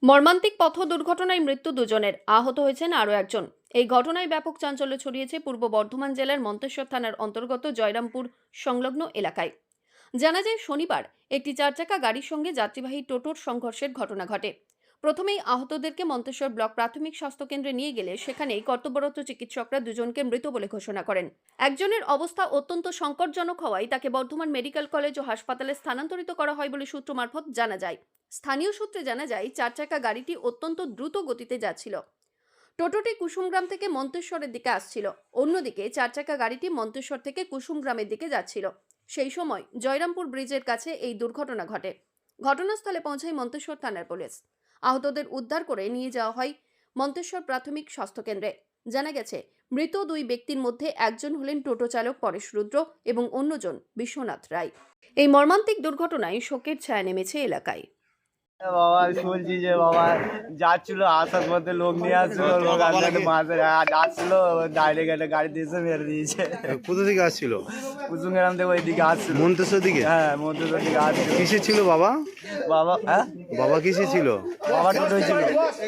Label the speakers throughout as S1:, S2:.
S1: মর্মান্তিক পথ দুর্ঘটনায় মৃত্যু দুজনের, আহত হয়েছেন আরও একজন। এই ঘটনায় ব্যাপক চাঞ্চল্য ছড়িয়েছে পূর্ব বর্ধমান জেলার মন্তেশ্বর থানার অন্তর্গত জয়রামপুর সংলগ্ন এলাকায়। জানা যায়, শনিবার একটি চারচাকা গাড়ির সঙ্গে যাত্রীবাহী টোটোর সংঘর্ষের ঘটনা ঘটে। প্রথমেই আহতদেরকে মন্তেশ্বর ব্লক প্রাথমিক স্বাস্থ্যকেন্দ্রে নিয়ে গেলে সেখানেই কর্তব্যরত চিকিৎসকরা দুজনকে মৃত বলে ঘোষণা করেন। একজনের অবস্থা অত্যন্ত সংকটজনক হওয়ায় তাকে বর্ধমান মেডিকেল কলেজ ও হাসপাতালে স্থানান্তরিত করা হয় বলে সূত্র মারফত জানা যায়। স্থানীয় সূত্রে জানা যায়, চারচাকা গাড়িটি অত্যন্ত দ্রুত গতিতে যাচ্ছিল। টোটোটি কুসুমগ্রাম থেকে মন্তেশ্বরের দিকে আসছিল। অন্যদিকে চারচাকা গাড়িটি মন্তেশ্বর থেকে কুসুমগ্রামের দিকে যাচ্ছিল। সেই সময় জয়রামপুর ব্রিজের কাছে এই দুর্ঘটনা ঘটে। ঘটনাস্থলে পৌঁছায় মন্তেশ্বর থানার পুলিশ। আহতদের উদ্ধার করে নিয়ে যাওয়া হয় মন্তেশ্বর প্রাথমিক স্বাস্থ্যকেন্দ্রে। জানা গেছে, মৃত দুই ব্যক্তির মধ্যে একজন হলেন টোটো চালক পরেশ রুদ্র এবং অন্যজন বিশ্বনাথ রায়। এই মর্মান্তিক দুর্ঘটনায় শোকের ছায়া নেমেছে এলাকায়।
S2: বাবা শুনছি যে বাবা যাচ্ছিল, আসার মধ্যে লোক নিয়ে আসছিল, লোক মাঝে আসছিল, ডাইরেক্ট একটা গাড়ি দিয়েছে, মেরে দিয়েছে।
S3: কোথা থেকে আসছিল?
S2: কুসুমগ্রাম থেকে ওই দিকে আসছিল।
S3: মন্তেশ্বর দিকে?
S2: হ্যাঁ, মন্তেশ্বর দিকে আসছিল।
S3: কিসে ছিল বাবা?
S2: বাবা হ্যাঁ,
S3: বাবা কিসে ছিল?
S2: বাবা টোটোই ছিল।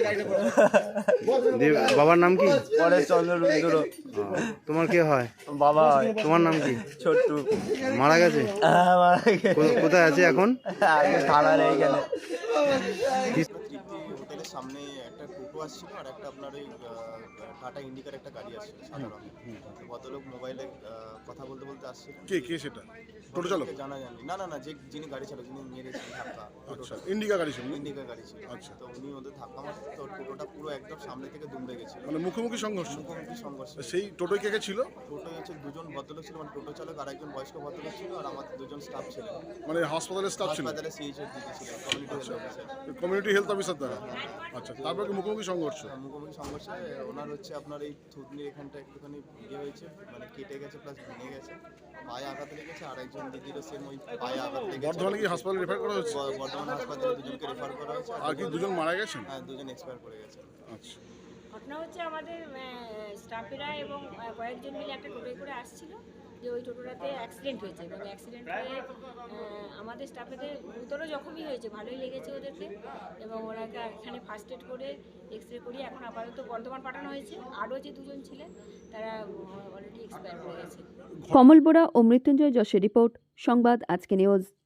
S3: বাবার নাম কি?
S2: পরেশ চন্দ্র রুদ্র।
S3: তোমার কে হয়?
S2: বাবা হয়।
S3: তোমার নাম কি?
S2: ছোট্টু।
S3: মারা গেছে?
S2: হ্যাঁ, মারা গেছে।
S3: কোথায় আছে এখন?
S2: আগে থানার এইখানে।
S4: তৃপ্তি হোটেলের সামনে একটা টোটো আসছিল আর একটা আপনার ওই টাটা ইন্ডিকার একটা গাড়ি আসছিল সাদা রঙের। তো ভদ্রলোক মোবাইলে কথা বলতে বলতে আসছিল।
S5: কে সেটা? টোটো চালক?
S4: জানা যায়নি। না যিনি গাড়ি চালক, যিনি মেরেছেন ধাক্কা,
S5: আচ্ছা, ইন্ডিকা গাড়ি ছিল?
S4: ইন্ডিকা গাড়ি ছিল।
S5: আচ্ছা।
S4: তো উনি ওদের ধাক্কা মারতে, তো টোটোটা পুরো একদম সামনে থেকে দুমড়ে গেছিল।
S5: মানে মুখোমুখি সংঘর্ষ?
S4: মুখোমুখি সংঘর্ষ।
S5: সেই টোটোয় কে ছিল?
S4: টোটোয় হচ্ছে দুজন ভদ্রলোক ছিল, মানে টোটো চালক আর একজন বয়স্ক ভদ্রলোক ছিল, আর আমাদের দুজন স্টাফ ছিল।
S5: মানে হাসপাতালের স্টাফ ছিল?
S4: হাসপাতালে সিএইচএর দিকে ছিল, community health officer.
S5: Community health officer দ্বারা? আচ্ছা, তারপর কি মুখোমুখি সংঘর্ষ?
S4: মুখোমুখি সংঘর্ষে ওনার হচ্ছে আপনার এই থুতনির এখানটা একটুখানি ইয়ে হয়েছে, মানে কেটে গেছে প্লাস ভেঙে গেছে, পায়ে আঘাত লেগেছে। আর একজন দিদিরও সেম ওই পায়ে আঘাত লেগেছে।
S5: বর্ধমানে কি হাসপাতালে রেফার করা হয়েছে?
S4: বর্ধমান হাসপাতালে দুজনকে রেফার করা হয়েছে।
S5: আর কি দুজন মারা গেছেন?
S4: হ্যাঁ, দুজন এক্সপায়ার করে গেছে।
S5: আচ্ছা।
S6: ঘটনা হচ্ছে, আমাদের স্টাফেরা এবং কয়েকজন মিলে একটা টোটোয় করে আসছিল, যে ওই টোটোটাতে অ্যাক্সিডেন্ট হয়েছে এবং অ্যাক্সিডেন্ট হয়ে আমাদের স্টাফেদের গুরুতর জখমই হয়েছে, ভালোই লেগেছে ওদেরকে, এবং ওনাকে এখানে ফার্স্ট এড করে এক্স রে করিয়ে এখন আপাতত বর্ধমান পাঠানো হয়েছে। আরও যে দুজন ছিলেন তারা অলরেডি এক্সপায়ার করে গেছে।
S1: কমল বোরা ও মৃত্যুঞ্জয় যশের রিপোর্ট, সংবাদ আজকে নিউজ।